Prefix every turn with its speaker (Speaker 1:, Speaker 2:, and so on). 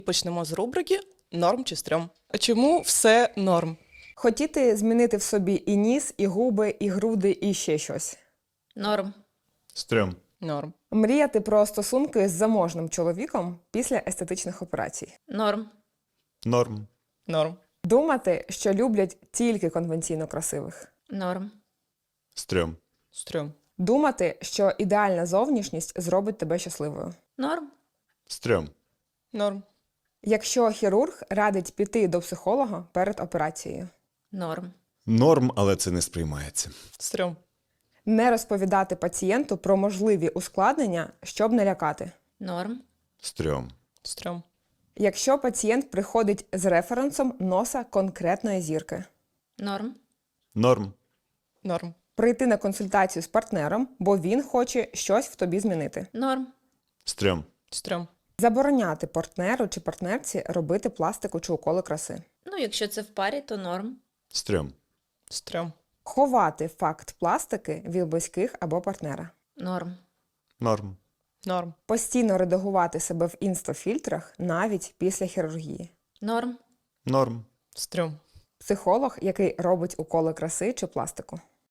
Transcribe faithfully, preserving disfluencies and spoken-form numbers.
Speaker 1: Почнемо з рубрики «Норм чи стрьом». А чому все норм?
Speaker 2: Хотіти змінити в собі і ніс, і губи, і груди, і ще щось.
Speaker 3: Норм.
Speaker 4: Стрьом.
Speaker 1: Норм.
Speaker 2: Мріяти про стосунки з заможним чоловіком після естетичних операцій.
Speaker 3: Норм.
Speaker 4: Норм.
Speaker 1: Норм.
Speaker 2: Думати, що люблять тільки конвенційно красивих.
Speaker 3: Норм.
Speaker 4: Стрьом.
Speaker 1: Стрьом.
Speaker 2: Думати, що ідеальна зовнішність зробить тебе щасливою.
Speaker 3: Норм.
Speaker 4: Стрьом.
Speaker 1: Норм.
Speaker 2: Якщо хірург радить піти до психолога перед операцією.
Speaker 3: Норм.
Speaker 4: Норм, але це не сприймається.
Speaker 1: Стрьом.
Speaker 2: Не розповідати пацієнту про можливі ускладнення, щоб не лякати.
Speaker 3: Норм.
Speaker 4: Стрьом.
Speaker 1: Стрьом.
Speaker 2: Якщо пацієнт приходить з референсом носа конкретної зірки.
Speaker 3: Норм.
Speaker 4: Норм.
Speaker 1: Норм.
Speaker 2: Прийти на консультацію з партнером, бо він хоче щось в тобі змінити.
Speaker 3: Норм.
Speaker 4: Стрьом.
Speaker 1: Стрьом.
Speaker 2: Забороняти партнеру чи партнерці робити пластику чи уколи краси.
Speaker 3: Ну, якщо це в парі, то норм.
Speaker 4: Стрьом.
Speaker 1: Стрьом.
Speaker 2: Ховати факт пластики від близьких або партнера.
Speaker 3: Норм.
Speaker 4: Норм.
Speaker 1: Норм.
Speaker 2: Постійно редагувати себе в інстофільтрах навіть після хірургії.
Speaker 3: Норм.
Speaker 4: Норм.
Speaker 1: Стрьом.
Speaker 2: Психолог, який робить уколи краси чи пластику.